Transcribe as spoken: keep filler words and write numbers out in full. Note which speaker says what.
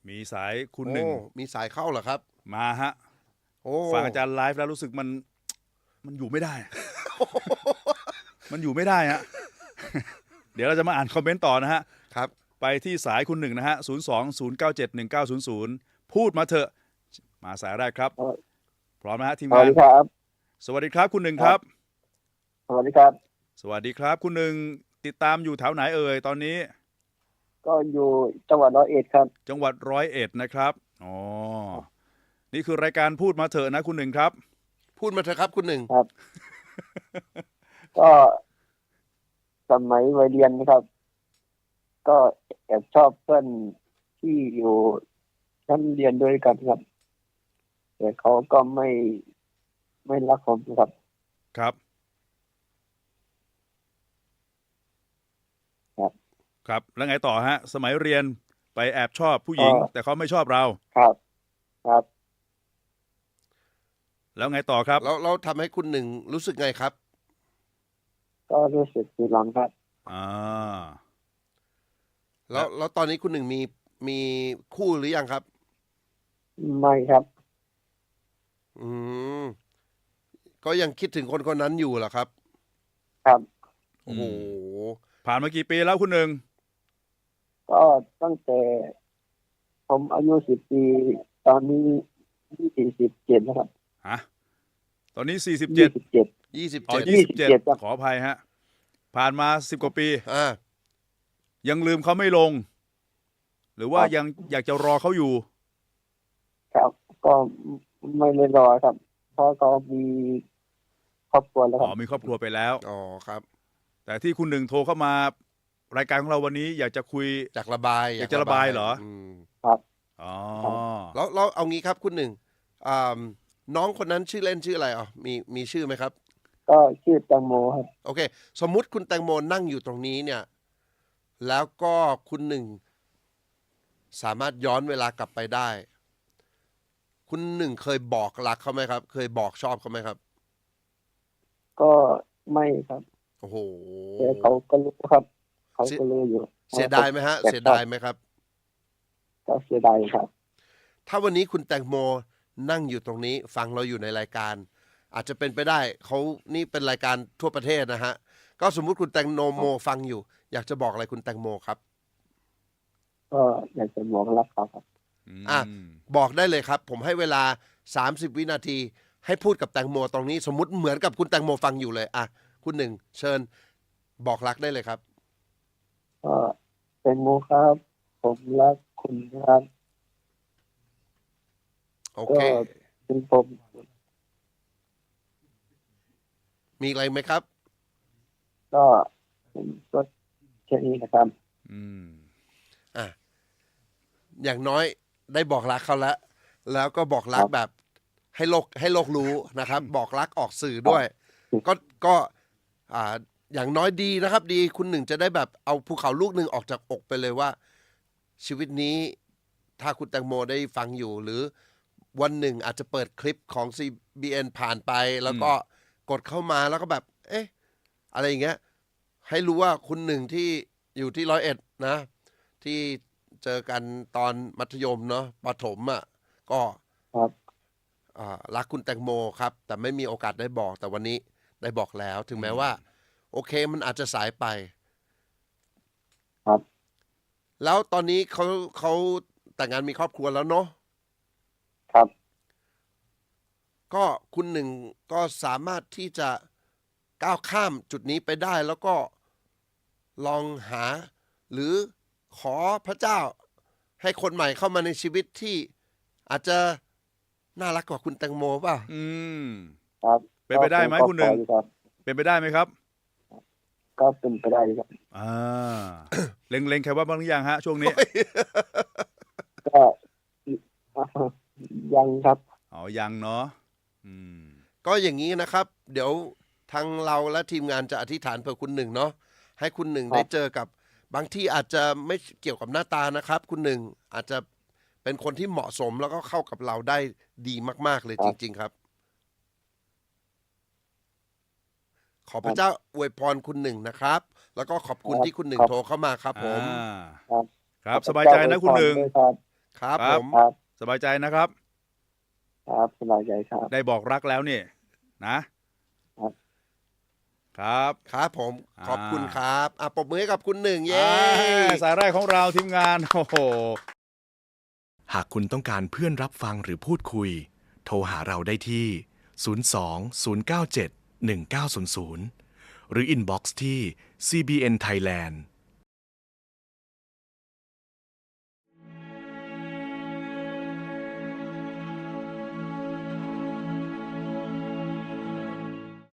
Speaker 1: มีสายคุณห
Speaker 2: โอ้
Speaker 1: นึ่ง
Speaker 2: มีสายเข้าเหรอครับ
Speaker 1: มาฮะ
Speaker 2: โอ้
Speaker 1: ฟังอาจารย์ไลฟ์แล้วรู้สึกมันมันอยู่ไม่ได้ มันอยู่ไม่ได้ฮะ เดี๋ยวเราจะมาอ่านคอมเมนต์ต่อนะฮะ
Speaker 2: ครับ
Speaker 1: ไปที่สายคุณหนึ่งนะฮะศูนย์สองศูนย์เก้าเจ็ดหนึ่งเก้าศูนย์ศูนย์พูดมาเถอะมาสายแรกครับ พร้อมนะฮะทีม
Speaker 3: สวั
Speaker 1: งา
Speaker 3: ส
Speaker 1: น
Speaker 3: ดีครับ
Speaker 1: สวัสดีครับคุณหนึ่งครับ
Speaker 3: สวัสดีครับ
Speaker 1: สวัสดีครับคุณหนึ่งติดตามอยู่แถวไหนเอ่ยตอนนี้
Speaker 3: ก็อยู่จังหวัดร้อยเอ็ดครับ
Speaker 1: จังหวัดร้อยเอ็ดนะครับอ๋อนี่คือรายการพูดมาเถอะนะคุณหนึ่งครับ
Speaker 2: พูดมาเถอะครับคุณหนึ่ง
Speaker 3: ครับ ก็สมัยวัยเรียนนะครับ ก็แอบชอบเพื่อนที่อยู่ชั้นเรียนด้วยกันครับ แต่เขาก็ไม่ไม่รักผมครับ
Speaker 1: ครับ
Speaker 3: ครับ
Speaker 1: ครับแล้วไงต่อฮะสมัยเรียนไปแอบชอบผู้หญิง แต่เขาไม่ชอบเรา
Speaker 3: ครับ ครับ
Speaker 1: แล้วไงต่อครับ
Speaker 2: แล้วเราทำให้คุณหนึ่งรู้สึกไงครับ
Speaker 3: ก็รู้สึกผิดหวังครับ
Speaker 1: อ่า
Speaker 2: แล้วแล้วตอนนี้คุณหนึ่งมีมีคู่หรือยังครับ
Speaker 3: ไม่ครับ
Speaker 2: อืมก็ยังคิดถึงคนคนนั้นอยู่เหรอครับ
Speaker 3: ครับ
Speaker 2: โอ้โห
Speaker 1: ผ่านมากี่ปีแล้วคุณหนึ่ง
Speaker 3: ก็ตั้งแต่ผมอายุสิบปี ตอนนี้ยี่สิบเจ็ดนะครับ
Speaker 1: ฮะตอนนี้สี่สิบ
Speaker 3: ยี่
Speaker 1: เจ็ด
Speaker 3: สิบเจ็ด
Speaker 2: ยี่สิบ
Speaker 1: อ๋อ
Speaker 2: เจ็ด
Speaker 1: ยี่สิบเจ็ด
Speaker 3: ยี่สิบเจ็ดครับ
Speaker 1: ขออภัยฮะผ่านมาสิบกว่าปี
Speaker 2: อ่า
Speaker 1: ยังลืมเขาไม่ลง หรือว่า
Speaker 3: ครับ
Speaker 1: ยังอยากจะรอเขาอยู่
Speaker 3: ครับ ก็ไม่เลยรอครับ เพราะเขามีครอบครัวแล้วค
Speaker 1: อ๋
Speaker 3: รั
Speaker 1: อบ มีครอบครัวไปแล้ว
Speaker 2: อ๋อครับ
Speaker 1: แต่ที่คุณหนึ่งโทรเข้ามารายการของเราวันนี้ อยากจะคุย
Speaker 2: จากระบาย
Speaker 1: อยากจะระบายเหรอ
Speaker 2: ม
Speaker 3: ครับ
Speaker 1: อ๋อ
Speaker 2: แล้วแล้วเอางี้ครับคุณหนึ่งอ่าน้องคนนั้นชื่อเล่นชื่ออะไรอ๋อมีมีชื่อไหมครับ
Speaker 3: ก็ชื่อแตงโมครับ
Speaker 2: โอเค สมมุติคุณแตงโมนั่งอยู่ตรงนี้เนี่ย แล้วก็คุณหนึ่งสามารถย้อนเวลากลับไปได้ คุณหนึ่งเคยบอกรักเขาไหมครับ เคยบอกชอบเขาไหมครับ
Speaker 3: ก็ไม่ครับ
Speaker 2: โอ้โห
Speaker 3: แต่เขาก็รู้ครับ เขาก็รู้อยู่
Speaker 2: เสียดายไหมฮะ
Speaker 3: แต่
Speaker 2: เสียดายไหมครับ
Speaker 3: ก็เสียดายครับ
Speaker 2: ถ้าวันนี้คุณแตงโมนั่งอยู่ตรงนี้ ฟังเราอยู่ในรายการ อาจจะเป็นไปได้เขานี่เป็นรายการทั่วประเทศนะฮะ ก็สมมุติคุณแตงโมฟังอยู่ อยากจะบอกอะไรคุณแตงโมครับ
Speaker 3: ก็อยากจะบอกรักเขาครับ
Speaker 2: อ่ะ บอกได้เลยครับ ผมให้เวลาสามสิบวินาที ให้พูดกับแตงโมตรงนี้ สมมุติเหมือนกับคุณแตงโมฟังอยู่เลยอ่ะคุณหนึ่งเชิญบอกรักได้เลยครับ
Speaker 3: ก็แตงโมครับ ผมรักคุณครับ
Speaker 2: โอ
Speaker 3: ก็
Speaker 2: เค
Speaker 3: ถึงผม
Speaker 2: มีอะไรไหมครับ
Speaker 3: ก็ผมก็แค่นี้นะครับ
Speaker 1: อืม
Speaker 2: อ่ะอย่างน้อยได้บอกรักเขาแล้ว แล้วก็บอกรัก
Speaker 3: ครับ
Speaker 2: แบบให้โลกให้โลกรู้นะครับ บอกรักออกสื่อด้วย ก็ก็อ่าอย่างน้อยดีนะครับ ดีคุณหนึ่งจะได้แบบเอาภูเขาลูกหนึ่งออกจากอกไปเลยว่า ชีวิตนี้ถ้าคุณแตงโมได้ฟังอยู่ หรือวันหนึ่งอาจจะเปิดคลิปของ ซี บี เอ็น ผ่านไป แล้วก็กดเข้ามาแล้วก็แบบ เอ๊ะ อะไรอย่างเงี้ย ให้รู้ว่าคุณหนึ่งที่อยู่ที่ร้อยเอ็ดนะ ที่เจอกันตอนมัธยมเนาะประถมอ่ะก็
Speaker 3: ครับ
Speaker 2: อ่ารักคุณแตงโมครับ แต่ไม่มีโอกาสได้บอก แต่วันนี้ได้บอกแล้ว ถึงแม้ว่า โอเคมันอาจจะสายไป
Speaker 3: ครับ
Speaker 2: แล้วตอนนี้เขาเขาแต่งงานมีครอบครัวแล้วเนาะ
Speaker 3: ครับ
Speaker 2: ก็คุณหนึ่งก็สามารถที่จะก้าวข้ามจุดนี้ไปได้ แล้วก็ลองหา หรือขอพระเจ้า ให้คนใหม่เข้ามาในชีวิตที่อาจจะน่ารักกว่าคุณแตงโมป่ะ
Speaker 1: อืม
Speaker 3: ครับ
Speaker 1: เป็นไปได้ไหม
Speaker 3: ก็
Speaker 1: คุณหนึ่ง
Speaker 3: ขออยู่ครับ
Speaker 1: เป็นไปได้ไหมครับ
Speaker 3: ก็เป็นไปได้ครับ
Speaker 1: อ่า เล็งๆใครว่าบ้างหรือยังฮะ ช่วงนี้
Speaker 3: ก็ ยังครับ
Speaker 1: อ๋อ ยังเนาะ อืม
Speaker 2: ก็อย่างนี้นะครับ เดี๋ยวทางเราและทีมงานจะอธิษฐานเพื่อคุณหนึ่งเนาะให้คุณหนึ่ง
Speaker 3: ครับ
Speaker 2: ได้เจอกับบางที่อาจจะไม่เกี่ยวกับหน้าตานะครับ คุณหนึ่งอาจจะเป็นคนที่เหมาะสมแล้วก็เข้ากับเราได้ดีมากๆเลยจริง ๆ ครับ ขอพระเจ้าอวยพรคุณหนึ่งนะครับ แล้วก็ขอบคุณที่คุณหนึ่งโทรเข้ามาครับผม
Speaker 1: อ่า
Speaker 3: ครับ
Speaker 1: ครับ สบายใจนะคุณหนึ่ง
Speaker 3: ด้วยครับ
Speaker 2: ครับ
Speaker 1: ครั
Speaker 2: ผ
Speaker 1: บ
Speaker 2: ม
Speaker 3: ครับ
Speaker 1: สบายใจนะครับ
Speaker 3: ครับสบายใจครับ
Speaker 1: ได้บอกรักแล้วนี่นะครับ ครับ
Speaker 2: ครับผม
Speaker 1: อ่า
Speaker 2: ขอบคุณครับอ่ะปรบมือให้กับคุณหนึ่งเย้
Speaker 1: อ่าสายแรกของเราทีมงานโอ้โห
Speaker 4: หากคุณต้องการเพื่อนรับฟังหรือพูดคุย โทรหาเราได้ที่ ศูนย์ สอง ศูนย์ เก้า เจ็ด หนึ่ง เก้า ศูนย์ ศูนย์ หรืออินบ็อกซ์ที่ ซี บี เอ็น Thailand